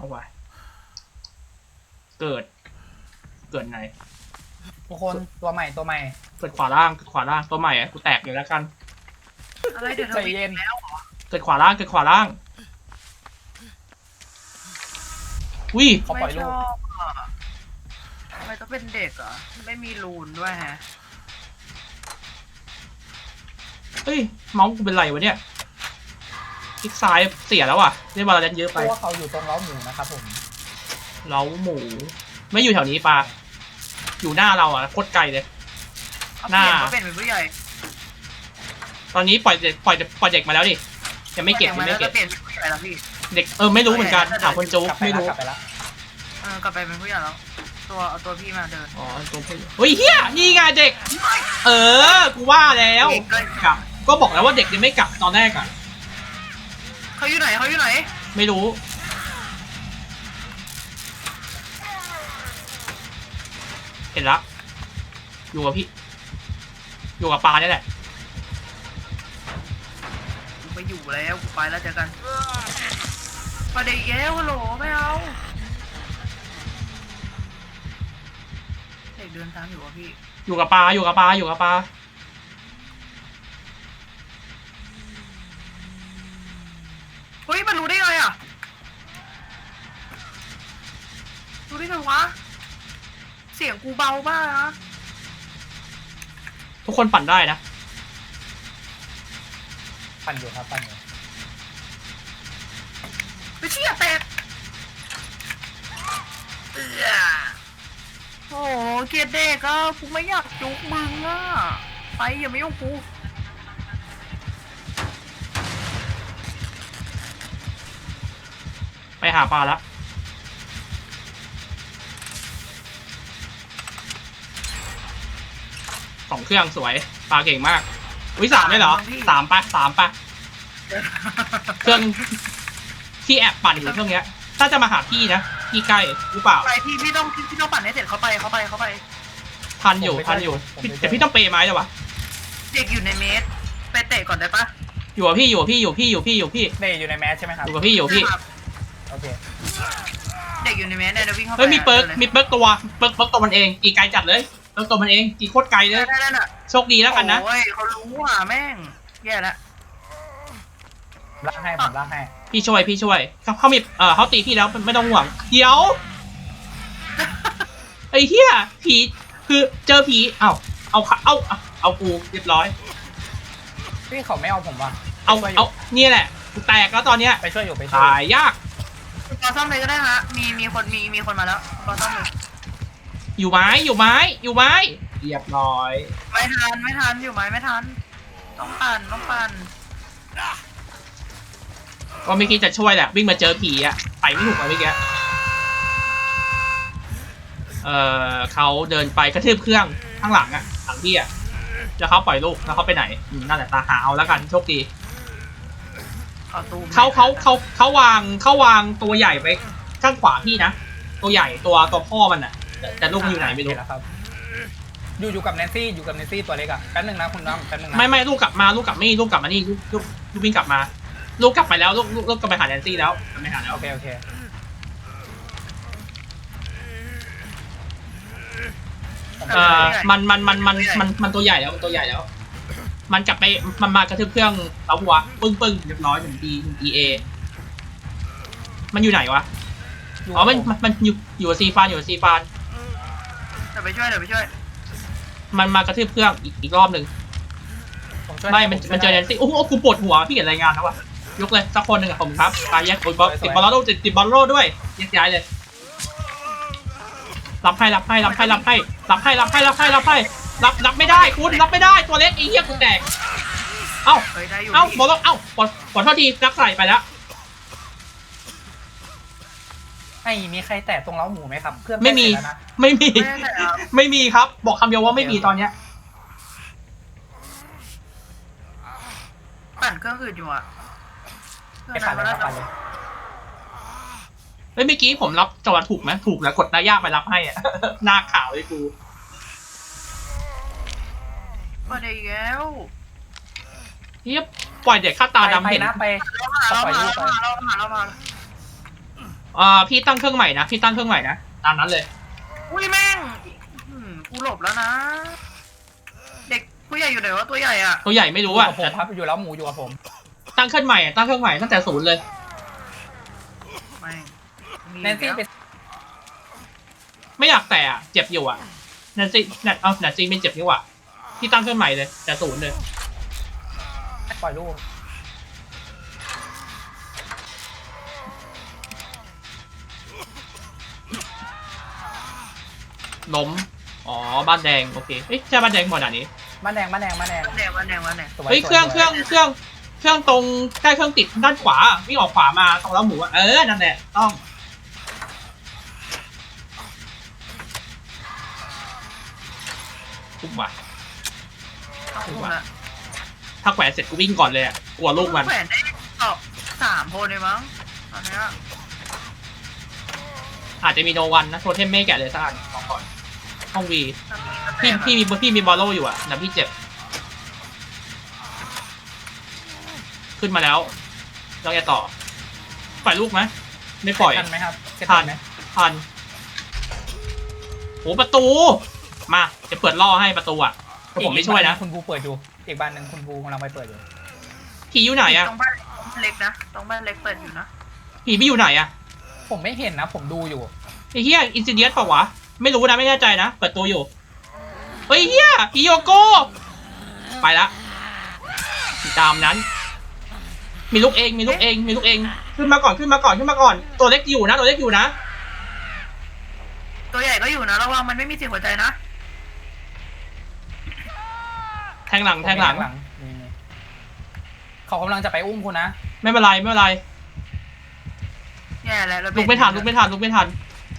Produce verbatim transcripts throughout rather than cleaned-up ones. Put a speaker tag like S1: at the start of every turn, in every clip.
S1: ไว้เกิดเกิดไหน
S2: ทุกคนตัวใหม่ตัวใหม่
S1: เกิดขวาล่างเกิดขวาล่างตัวใหม่อะกูแตกเลยแล้วกัน
S3: อะไรเดี๋ยวใจเย็นแล้ว
S1: เกิดขวาล่างเกิดขวาล่างวิ
S2: เขาปล่อยลูก
S3: ทำไมต้องเป็นเด็กอ่ะไม่มีรูนด้วยฮะ
S1: เฮ้ยเมาส์กูเป็นไรวะเนี่ยคลิกซ้ายเสียแล้วอ่ะเล่นบอลเลนเยอะไป
S2: เพราะว่าเขาอยู่ตรงเล้าหมูนะครับผม
S1: เล้าหมูไม่อยู่แถวนี้ปลาอยู่หน้าเราอ่ะโคตรไกลเลย
S3: หน้าเขาเป็นผู้ใหญ่
S1: ตอนนี้ปล่อยเด็กปล่อยปล่อยเด็กมาแล้วดิยังไม่เก็บยังไม่เก็บเด็กเออไม่รู้เหมือนกันถามคนโจ๊กไม่รู้
S3: เออกลับไปเป็นผู้ใหญ่แล้วตัวเอาตัวพี่มาเดิน
S1: อ๋อตัวพี่เฮ้ยเฮียนี่ไงเด็กเออกูว่าแล้วกลับก็บอกแล้วว่าเด็กยังไม่กลับตอนแรกอ่ะ
S3: เขาอยู่ไหนเขาอยู่ไหน
S1: ไม่รู้เห็นละอยู่กับพี่อยู่กับปลาเนี่ยแหละ
S3: กูไปอยู่แล้วกูไปแล้วเจอกันประเดี๋ยวฮัลโหลไม่เอาเด็กเดินตามอยู่อ่ะพี่
S1: อยู่กับปลาอยู่กับปลาอยู่กับปลา
S3: เฮ้ยมันรู้ได้ไงอ่ะรู้ได้ไงวะเสียงกูเบามากนะ
S1: ทุกคนปั่นได้นะ
S2: ปั่นอยู่ครับปั่นอยู่
S3: ไปเชี่ยแตกโอ้เกียร์เด็กอ่ะกูไม่อยากจุกมึงอ่ะไปอย่าไม่ยุ่งกู
S1: ไปหาปลาแล้วสองเครื่องสวยปลาเก่งมากวิสามได้เหรอสามปะสามปะเครื่องที่แอบปั่นอยู่เครื่องเนี้ยถ้าจะมาหาพี่นะพี่ใกล้หรือเปล่า
S3: ไปพี่พี่ต้องพี่ต้องปั่นให้เสร็จเขาไปเขาไปเขาไป
S1: ทันอยู่ทันอยู่แต่พี่ต้องเปย์ไม้จ้ะวะ
S3: เด็กอยู่ในเมสไปเตะก่อนได้ปะ
S1: อยู่กับพี่อยู่กับพี่อยู่พี่อยู่พี่อยู่พี่
S2: เด็กอยู่ในแมสใช่ไหมครับ
S1: อยู่กับพี่อยู่พี่
S2: โอเค
S3: เด็กอยู่ในเมสเนี่ยวิ่งเข้าไป
S1: เฮ้ยมีเปิร์กมีเปิร์กตัวเปิร์กเปิร์กตัวมันเองกี่ไกลจัดเลยเปิร์กตัวมันเองกี่โคตรไกลเลยโชคดีแล้วกันนะ
S3: โอ้ยเขารู้อ่ะแม่งแย่แล้ว
S2: ล่างให้ผมล่างให้
S1: พี่ช่วยพี่ช่วยเขาเขามีเออเขาตีพี่แล้วไม่ต้องห่วงเดี๋ยวไอ้เหี้ยผีคือเจอผีเอ้าเอาเอาเอากูเรียบร้อย
S2: พี่เขาไม่เอาผมว่ะ
S1: เอาเอาเนี่ยแหละแตกแล้วตอนเนี้ย
S2: ไปช่วยอยู่ไปช่วย
S1: ตายยาก
S3: รอซ่อมเลยก็ได้ฮะมีมีคนมีมีคนมาแล้วรอซ่อมเลย
S1: อยู่ไม้อยู่ไม้อยู่ไม้เรียบร้อย
S3: ไม่ทันไม่ทันอยู่ไม้ไม่ทันต้องปั่นต้องปั่น
S1: ก็ไม่คิดจะช่วยแหละวิ่งมาเจอผีอะไปไม่ถูกเลยเมื่อกี้เออเขาเดินไปกระทืบเครื่องข้างหลังอะหลังพี่อะแล้วเขาปล่อยลูกแล้วเขาไปไหนนั่นแหละตาหาเอาแล้วกันโชคดีเขาเขาเขาเขาวางเขาวางตัวใหญ่ไปข้างขวาพี่นะตัวใหญ่ตัวตัวพ่อมันอะแต่ลูกอยู่ไหนไม่รู้
S2: ครับอยู่อยู่กับแนนซี่อยู่กับแนนซี่ตัวเล็กอะแป๊บนึงนะคุณน้องแป๊บนึงนะ
S1: ไม่ไม่ลูกกลับมาลูกกลับไม่ลูกกลับมานี่ลูกลูกลูกวิ่งกลับมาลูกกลับไปแล้วลูกลูกลูกกลับไปหาแนนซี่แล้วไม่หาแล้ว
S2: โอเคโอเค
S1: เอ่อมันมันมันมันมันมันตัวใหญ่แล้วมันตัวใหญ่แล้วมันกลับไปมันมากระทืบเครื่องเตาหัวปึ้งปึ้งเรียบร้อยถึงดีถึงดีเอมันอยู่ไหนวะอ๋อมันมันอยู่อยู่ซีฟานอยู่ซีฟาน
S3: เดี๋ยวไปช่วยเดี๋ยวไปช่วย
S1: มันมากระทืบเครื่องอีกอีกรอบหนึ่งไม่มันมันเจอแนนซี่โอ้โหกูปวดหัวพี่เห็นรายงานแล้ววะยกเลยสักคนหนึ่งอะผมครับตายแยกติดบอลติดบอลโล่ติดติดบอลโล่ด้วยแยกย้ายเลยรับให้รับให้รับให้รับให้รับให้รับให้รับให้รับให้รับรับไม่ได้คุณรับไม่ได้ตัวเล็กไอ้เหี้ยคุณแดกเอ้าเอ้าบอลเอ้าขอขอโทษทีรักใส่ไปแล้ว
S2: ไม่มีใครแตะตรงเล้าหมูไหมครับเครื่อง
S1: ไม่มีไม่มีไม่มีครับบอกคำเดียวว่าไม่มีตอนเนี้ย
S3: ปั่นเครื่องอื่นอยู่อ่ะ
S2: ไปปั่นเลยปั่นเลย
S1: เฮ้ยเมื่อกี้ผมรับจังหวะถูกไหมถูกแล้วกดหน้ายากไปรับให้อ่ะหน้าขาวเลยกู
S3: มาได้แล้ว
S1: เฮียปล่อยเด็กข้าตาดำเห็น
S2: นะไป
S3: เรามาเรามาเรามาเรามา
S1: อ่าพี่ตั้งเครื่องใหม่นะพี่ตั้งเครื่องใหม่นะตามนั้นเลย
S3: อุ้ยแม่งอืมกูหลบแล้วนะ เด็กผู้ใหญ่อยู่ไหนวะตัวใหญ่อ่ะ
S1: ตัวใหญ่ไม่
S2: อ
S1: รู้
S2: ยู่
S1: อ่ะ
S2: กับผมครับอยู่แล้วหมูอยู่กับผม
S1: ตั้งเครื่องใหม่ตั้งเครื่องใหม่ตั้งแต่ศูนย์เลย
S3: ไม่มี
S2: แนนซี่ไป
S1: ไม่อยากแต่อะเจ็บอยู่อ่ะแนนซี่แนนเอาแนนซี่ไม่เจ็บนี่หว่าพี่ตั้งเครื่องใหม่เลยแต่ศูนย์เลย
S2: ปล่อยลูก
S1: ล้มอ๋อบ้านแดงโอเคเฮ้ยใช่บ้านแดงหมดอ่ะนี้
S2: บ้านแดงบ้านแดงบ้านแดง
S3: แดงวันแดงวันแดง
S2: สวย
S1: เฮ้ย
S2: สวย
S1: เครื่อง
S2: สวย
S1: เครื่องเครื่องเครื่องตรงใกล้เครื่องติดด้านขวาวิ่งออกขวามาตรงเล้าหมูอะเออนั่นแหละต้องปุ๊บว่ะ
S3: เอาคุณละ
S1: ถ้าแขวนเสร็จกูวิ่งก่อนเลยอะกลัวลูกมัน
S3: แขวนได้ตอบสามคนเลยมั้งตอนเนี้ย
S1: อาจจะมีโนวันนะโทเทมไม่แกะเลยสักอันของก่อนห้องวี
S3: พี่
S1: พี่พี่มีพี่มีบอลโลอยู่อะแต่พี่เจ็บขึ้นมาแล้วเราจะต่อปล่อยลูกไหมไม่ปล่อย
S2: ทันไหมครับเสร็จ
S1: ทัน
S2: ไหม
S1: ทันโหประตูมาจะเปิดล่อให้ประตูอะแต่ผมไม่ช่วยนะ
S2: อีกบ้าคุณบูเปิดอยู่อีกบ้านหนึ่งคุณบูกำลังไปเปิดอยู่
S1: ผีอยู่ไหนอะ
S3: ตรงบ้านเล็กนะตรงบ้านเล็กเปิดอยู่นะ
S1: ผีไม่อยู่ไหนอะ
S2: ผมไม่เห็นนะ ผมดูอยู่
S1: ไอ้เหี้ยอินซิเดียสเปล่าวะไม่รู้นะไม่แน่ใจนะเปิดตัวอยู่เฮ้ยเหี้ยผีโยโก้ไปละตามนั้น มีลูกเองมีลูกเองมีลูกเองขึ้นมาก่อนขึ้นมาก่อนขึ้นมาก่อนตัวเล็กอยู่นะตัวเล็กอยู่นะ
S3: ตัวใหญ่ก็อยู่นะระวังมันไม่มีเสียงหัวใจนะ
S1: แทงหลังแทงหลัง
S2: นี่นี่เขากำลังจะไปอุ้มคุณนะ
S1: ไม่เป็นไรไม่เป็นไร
S3: แย่แล้วเรา
S1: ลุกไม่ทันลุกไม่ทันลุกไม่ทัน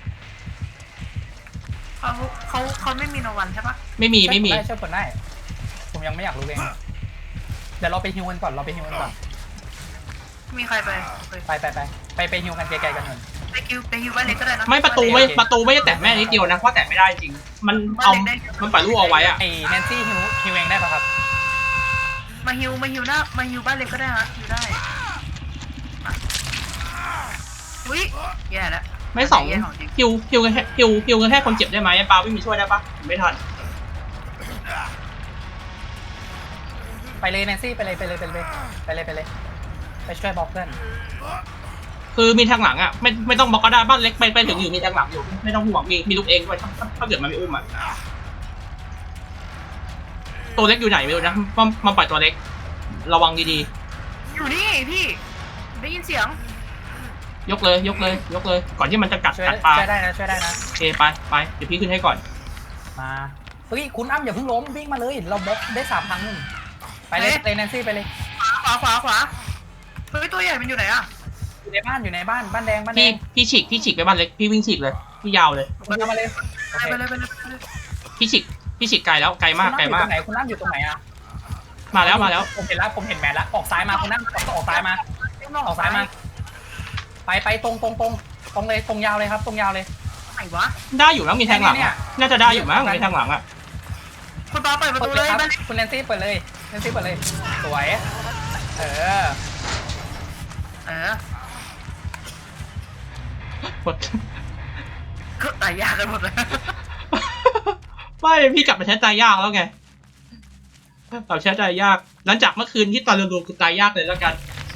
S3: เขาเขาเขาไม่มีโนวันใช่ปะ
S1: ไม่มีไม่มี
S2: ช่วยผลได้ ผมยังไม่อยากรู้เอง เดี๋ยวเราไปฮิวกันก่อน เราไปฮิวกันก่อน
S3: มีใครไปไป
S2: ไปไปไปไปไปฮิวกันไกลๆกันหน่อย
S3: ไปคิวไปฮิวบ้านเล็กก็ได้นะ
S1: ไม่ประตูไม่ประตูไม่ได้แตะแม่นิดเดียวนะเพราะแตะไม่ได้จริงมันเอามันปล่อยลูกเอาไว้อะ
S2: ไอ้แนนซี่ฮิวฮิวเองได้ปะครับ
S3: มาฮิวมาฮิวหน้ามาฮิวบ้านเล็กก็ได้ฮะฮิวได้อุ้ยแย่แล้ว
S1: ไม่สองฮิวฮิวกันแค่ฮิวฮิวกันแค่คนเจ็บได้ไหมปาไม่มีช่วยได้ปะไม่ทัน
S2: ไปเลยแนนซี่ไปเลยไปเลยไปเลยไปเลยไปเลยไปช่วยบล็อกเพื่อน
S1: คือมีทางหลังอ่ะไม่ไม่ต้องบล็อกก็ได้บ้านเล็กไปไปถึงอยู่มีทางหลังอยู่ไม่ต้องห่วงมีมีลูกเองด้วยถ้าถ้าเกิดมันไม่อุ้มอ่ะตัวเล็กอยู่ไหนไม่รู้นะมันมันปล่อยตัวเล็ก ระวังดี
S3: อยู่นี่พี่ได้ยินเสียง
S1: ๆยกเลยยกเลยยกเลย ก่อนที่มันจะกัด
S2: ช่วย
S1: กัดปลา
S2: ช่วยได้นะช่วยได้นะ
S1: โอเคไปไปเดี๋ยวพี่ขึ้นให้ก่อน
S2: มาเฮ้ยคุณอ้ำอย่าเพิ่งล้มวิ่งมาเลยเราบล็อกได้สามครั้งนึงไปเลยเลยแนนซี่ไปเลย
S3: ขวาขวาขวาเฮ้ยตัวใหญ่มันอยู่ไหนอะ
S2: อยู่ในบ้านอยู่ในบ้านบ้านแดงบ้านแด
S1: พี่
S2: ง
S1: พี่ฉีกพี่ฉีกไปบ้านเล็กพี่วิ่งฉีกเลยพี่ยาวเลย
S2: คุณเอามาเลยโอเค
S3: ไปเลยไปเลยไปเลย
S1: พี่ฉีกพี่ฉีกไกลแล้วไกลมากไกล
S2: คุณ
S1: มา
S2: อ้ำ
S1: ก
S2: อยู่ตรงไหนคุณอ้ำอยู่ตรงไหนอะ
S1: มาแล้วมาแล้ว
S2: ผมเห็นแล้วผมเห็นแมทแล้วออกซ้ายมาคุณอ้ำออกซ้ายมาออกซ้ายมา ไปไปตรงตรงตรงตรงเลยตรงยาวเลยครับตรงยาวเลย
S3: ไหนวะ
S1: ได้อยู่มั้งมีแทงหลัง
S2: เนี่ย
S1: อะน่าจะได้อยู่มั้งมีแทงหลังอ่ะ
S3: คุณปาเปิดประ
S2: เปิ
S3: ตู
S2: ด
S3: เล
S2: เลย
S3: ย
S2: ครับ
S3: บ้านเล็ก
S2: คุณแนนซี่เปิดเลยแนนซี่เปิดเลยสวยเออ
S3: เออ
S1: หมด
S3: ก็ตายยากกันหมดเลย
S1: ไม่พี่กลับมาใช้ตายยากแล้วไงกลับใช้ตายยาก หลังจากเมื่อคืนที่ตอนรวมๆคือตายยากเลยแล้วกัน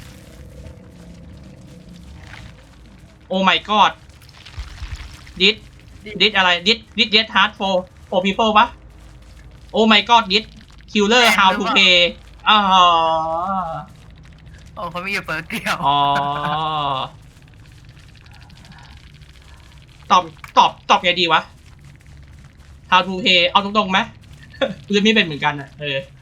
S1: โอ้ my god ดิดดิดอะไรดิดดิดเดดฮาร์ดโฟโอพีเปิลปะโอ้ my god ดิดคิลเลอร์ how to play อ๋อ
S3: โอ้เขาไม่อยู่เปิดเดียว
S1: อ๋อตอบตอบตอบไงดีวะ how to play เอาตรงๆไหม กูจะไม่เป็นเหมือนกันอ่ะเออ